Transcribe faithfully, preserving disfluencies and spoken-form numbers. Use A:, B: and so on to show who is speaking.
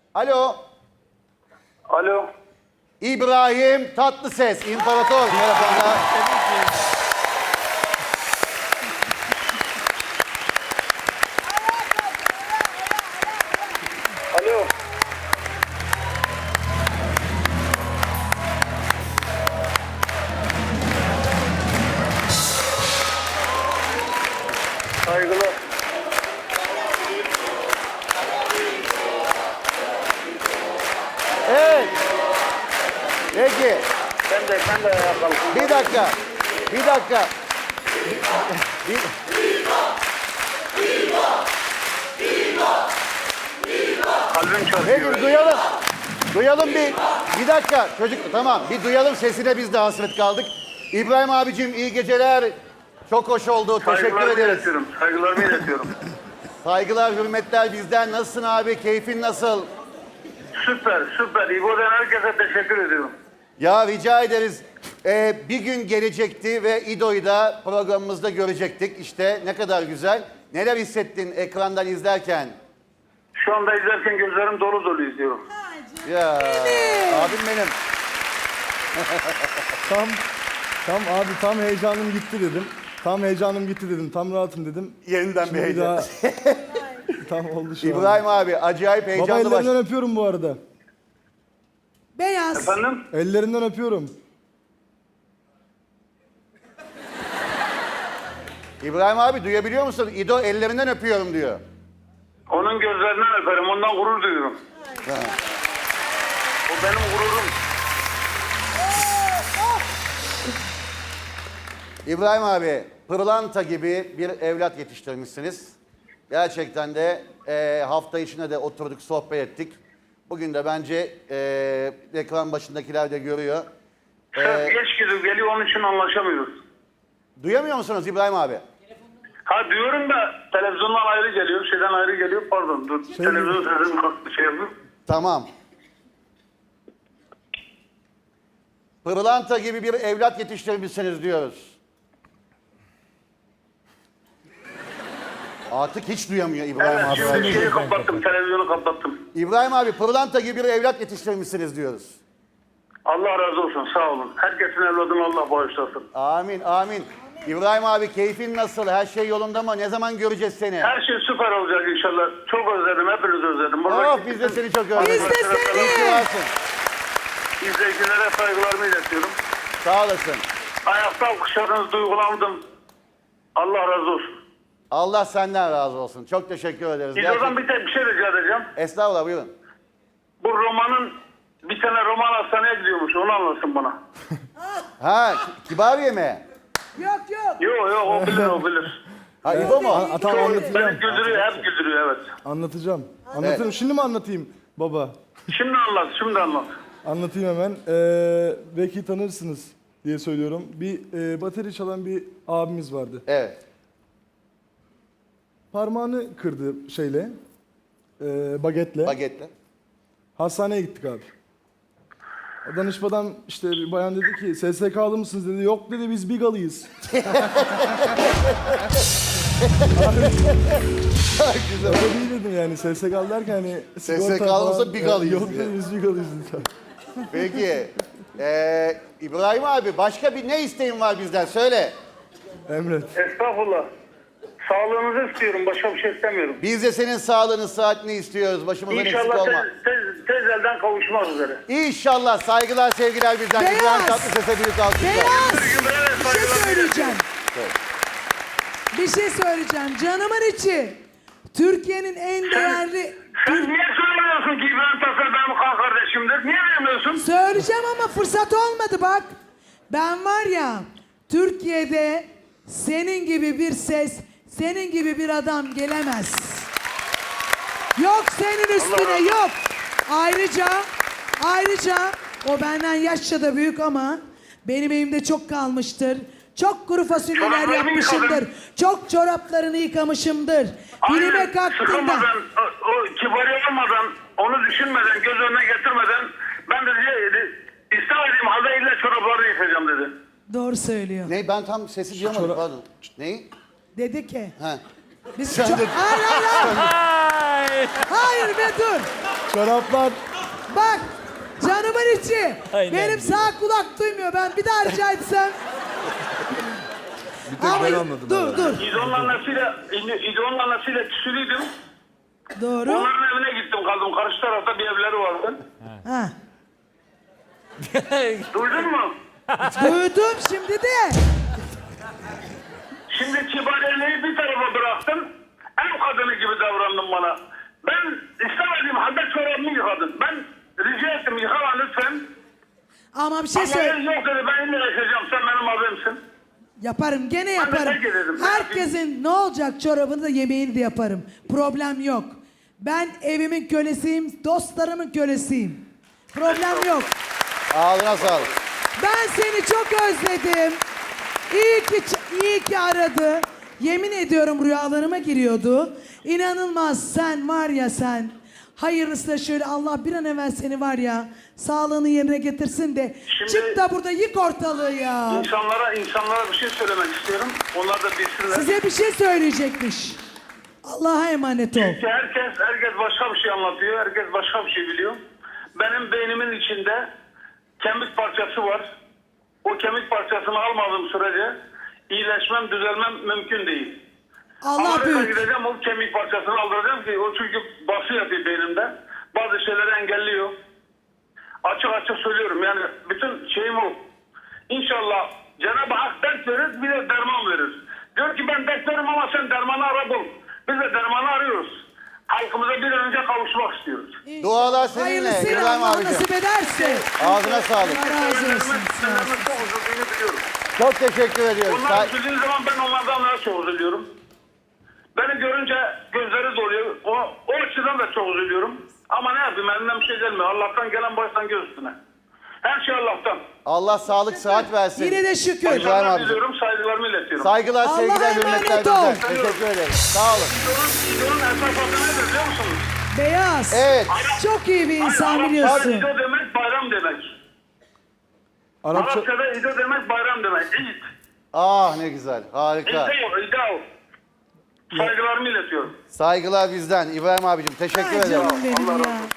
A: Alo.
B: Alo.
A: İbrahim Tatlıses, İmparator. Merhabalar.
B: Alo. Saygılar.
A: Evet. Peki.
B: Ben de ben de ayağa kalktım.
A: Bir dakika. Bir dakika. Bir...
B: Kalbim çarpıyor.
A: Peki duyalım. Duyalım bir. Bir dakika. Çocuk tamam. Bir duyalım sesine, biz de hasret kaldık. İbrahim abicim iyi geceler. Çok hoş oldu. Teşekkür
B: Saygılarımı
A: ederiz.
B: iletiyorum. Saygılarımı iletiyorum.
A: Saygılar, hürmetler bizden. Nasılsın abi? Keyfin nasıl?
B: Süper, süper. İbo'dan herkese teşekkür ediyorum.
A: Ya rica ederiz. Ee, bir gün gelecekti ve İdo'yu da programımızda görecektik. İşte ne kadar güzel. Neler hissettin ekrandan izlerken?
B: Şu anda izlerken gözlerim dolu dolu izliyorum.
A: Ya abim benim.
C: Tam, tam abi tam heyecanım gitti dedim. Tam heyecanım gitti dedim. Tam rahatım dedim.
A: Yeniden
C: Şimdi
A: bir heyecan.
C: daha tam oldu şu an.
A: İbrahim abi acayip
C: Baba
A: heyecanlı baş.
C: ellerinden öpüyorum bu arada.
D: Beyaz.
B: Efendim?
C: Ellerinden öpüyorum.
A: İbrahim abi duyabiliyor musun? İdo ellerinden öpüyorum diyor.
B: Onun gözlerinden öperim. Ondan gurur duyuyorum.
A: Ha.
B: O benim gururum.
A: İbrahim abi pırlanta gibi bir evlat yetiştirmişsiniz. Gerçekten de e, hafta içinde de oturduk, sohbet ettik. Bugün de bence e, ekran başındakiler de görüyor.
B: Ses
A: Ee,
B: geç gidip geliyor, onun için anlaşamıyoruz.
A: Duyamıyor musunuz İbrahim abi?
B: Ha diyorum da televizyondan ayrı geliyor, şeyden ayrı geliyor. Pardon dur.
C: Şey
B: Televizyon sesini kalktı şey yapıyor.
A: Tamam. Pırlanta gibi bir evlat yetiştirmişsiniz diyoruz. Artık hiç duyamıyor İbrahim
B: Evet,
A: abi.
B: şimdi şeyi kapattım, televizyonu kapattım.
A: İbrahim abi pırlanta gibi bir evlat yetiştirmişsiniz diyoruz.
B: Allah razı olsun, sağ olun. Herkesin evladını Allah bağışlasın.
A: Amin amin. İbrahim abi keyfin nasıl? Her şey yolunda mı? Ne zaman göreceğiz seni?
B: Her şey süper olacak inşallah. Çok özledim, hepinizi özledim. Buradaki
A: Oh biz de seni çok özledik.
D: Biz de seni.
A: İyi ki varsın.
B: İzleyicilere saygılarımı iletiyorum.
A: Sağ olasın.
B: Ayakta alkışladınız, duygulandım. Allah razı olsun.
A: Allah senden razı olsun. Çok teşekkür ederiz.
B: İzo'dan
A: Gerçekten.
B: bir tek bir şey rica edeceğim.
A: Estağfurullah buyurun.
B: Bu romanın, bir tane roman hastaneye gidiyormuş, onu anlasın bana.
A: Ha Kibariye mi?
D: Yok yok.
B: Yok yok, o bilir, o bilir.
A: Ha İbo mu?
C: A- Tamam anlatacağım.
B: Beni güldürüyor, hep güldürüyor, evet.
C: Anlatacağım. Anlatırım. Şimdi mi anlatayım baba?
B: Şimdi anlat, şimdi anlat.
C: Anlatayım hemen. Ee, belki tanırsınız diye söylüyorum. Bir e, bateri çalan bir abimiz vardı.
A: Evet.
C: Parmağını kırdı şeyle, e, bagetle.
A: Bagetle.
C: Hastaneye gittik abi. Danışmadan işte bir bayan dedi ki S S K'lı mısınız dedi. Yok dedi biz Bigalıyız.
A: Güzel.
C: Öyle değil dedim yani S S K'lı derken hani
A: S S
C: sigorta
A: K'lı olsa
C: falan-
A: Bigalıyız
C: Yok
A: diye.
C: dedi biz Bigalıyız dedi.
A: Peki. Ee, İbrahim abi başka bir ne isteğin var bizden? Söyle.
C: Emret.
B: Estağfurullah. Sağlığınızı istiyorum, başka bir şey istemiyorum.
A: Biz de senin sağlığını, saatini istiyoruz. Başımızdan eksik
B: İnşallah
A: olma.
B: tez, tez, tez elden kavuşmak üzere.
A: İnşallah. Saygılar, sevgiler bizden.
D: Beyaz.
A: İbrahim Tatlıses'e büyük alkışlar.
D: Beyaz.
B: Cümlelere
D: Bir şey
B: saygılar
D: söyleyeceğim. Bir şey söyleyeceğim. Canımın içi. Türkiye'nin en değerli...
B: Sen niye söylemiyorsun ki İbrahim Tatlıses benim kan kardeşimdir? Niye vermiyorsun?
D: Söyleyeceğim ama fırsat olmadı bak. Ben var ya Türkiye'de senin gibi bir ses, senin gibi bir adam gelemez. Yok senin üstüne yok. Ayrıca ayrıca o benden yaşça da büyük ama benim elimde çok kalmıştır. Çok kuru fasulyeler
B: Çoraplarını
D: yapmışımdır.
B: yıkadın.
D: Çok çoraplarını yıkamışımdır. Dilime
B: Aynen,
D: kalktığında
B: sıkılmadan, o, o kibari olmadan, onu düşünmeden, göz önüne getirmeden ben de diye, istemediğim halde illa çoraplarını yıkayacağım dedi.
D: doğru söylüyor.
A: Ne? Ben tam sesi duyamadım. Pardon. Neyi?
D: Dedi ki
A: Ha.
D: biz
A: Sen
D: çok...
A: de-
D: Hayır hayır hayır. Hayır be dur.
C: Çoraplar.
D: Bak canımın içi.
E: Aynen.
D: Benim sağ kulak duymuyor. Ben bir daha rica etsem.
C: Bir tek
D: Ama
C: ben anladım.
D: dur dur.
B: İdol'un annesiyle, İdol'un annesiyle küsülüydüm.
D: Doğru.
B: Onların evine gittim kaldım. Karşı tarafta bir evleri vardı.
D: Ha.
B: Duydun mu?
D: Duydum şimdi de.
B: Şimdi kibariyeliği bir tarafa bıraktım. Ev kadını gibi davrandın bana. Ben istemediğim halde çorabımı yıkadın. Ben rica ettim yıkama lütfen.
D: Ama bir şey
B: Ama
D: söyle.
B: yok dedi ben illa yaşayacağım. Sen benim abimsin.
D: Yaparım gene
B: Ben de
D: yaparım.
B: terk ederim.
D: Herkesin ne olacak çorabını da yemeğini de yaparım. Problem yok. Ben evimin kölesiyim, dostlarımın kölesiyim. Problem yok.
A: Ağzına sağlık.
D: Ben seni çok özledim. İyi ki iyi ki aradı. Yemin ediyorum rüyalarıma giriyordu. İnanılmaz sen var ya sen. Hayırlısı da şöyle Allah bir an evvel seni var ya sağlığını yerine getirsin de
B: Şimdi-
D: çık da burada yık ortalığı ya.
B: İnsanlara, insanlara bir şey söylemek istiyorum. Onlar da bilsinler.
D: Size bir şey söyleyecekmiş. Allah'a emanet ol.
B: Ki herkes, herkes başka bir şey anlatıyor. Herkes başka bir şey biliyor. Benim beynimin içinde kemik parçası var. O kemik parçasını almadığım sürece iyileşmem, düzelmem mümkün değil.
D: Allah
B: Amerika'ya
D: büyük.
B: gideceğim, o kemik parçasını aldıracağım ki o çünkü bası yapıyor beynimde. Bazı şeyleri engelliyor. Açık açık söylüyorum yani bütün şeyim o. İnşallah Cenab-ı Hak dert verir, bir de derman verir. Diyor ki ben dert veririm ama sen dermanı ara bul. Biz de dermanı arıyoruz. Halkımıza bir an önce kavuşmak istiyoruz.
A: Dualar seninle,
D: Hayırlısıyla
A: İbrahim
D: Allah
A: abicim.
D: nasip ederse.
A: Ağzına sağlık.
D: Allah razı olsun. Sağ ol.
B: Senden çok üzüldüğünü biliyorum.
A: Çok teşekkür ediyoruz.
B: Onlar
A: Say-
B: üzüldüğü zaman ben onlardan daha çok üzülüyorum. Beni görünce gözleri doluyor. O, o açıdan da çok üzülüyorum. Ama ne yapayım elimden bir şey gelmiyor. Allah'tan gelen baştan göz üstüne. Her şey Allah'tan.
A: Allah sağlık sıhhat versin.
D: Yine de şükür.
A: İbrahim
B: Başarılar
A: abicim.
B: diliyorum, saygılarımı iletiyorum.
A: Saygılar,
D: Allah'a
A: sevgiler,
D: emanet
A: hürmetler
D: ol.
A: bizden. Teşekkür ederiz. Sağ olun.
B: İdol'un, İdol'un esas adı nedir biliyor musunuz?
D: Beyaz.
A: Evet.
D: Çok iyi bir insan
B: Arapçada
D: biliyorsun.
B: İdo demek bayram demek.
C: Arapça.
B: Arapçada İdo demek bayram demek. İd.
A: Ah ne güzel. Harika.
B: İdo, İdo. Saygılarımı iletiyorum.
A: Saygılar bizden. İbrahim abicim teşekkür
D: Ay
A: ederim.
D: canım benim
B: Allah razı
D: ya.
B: olsun.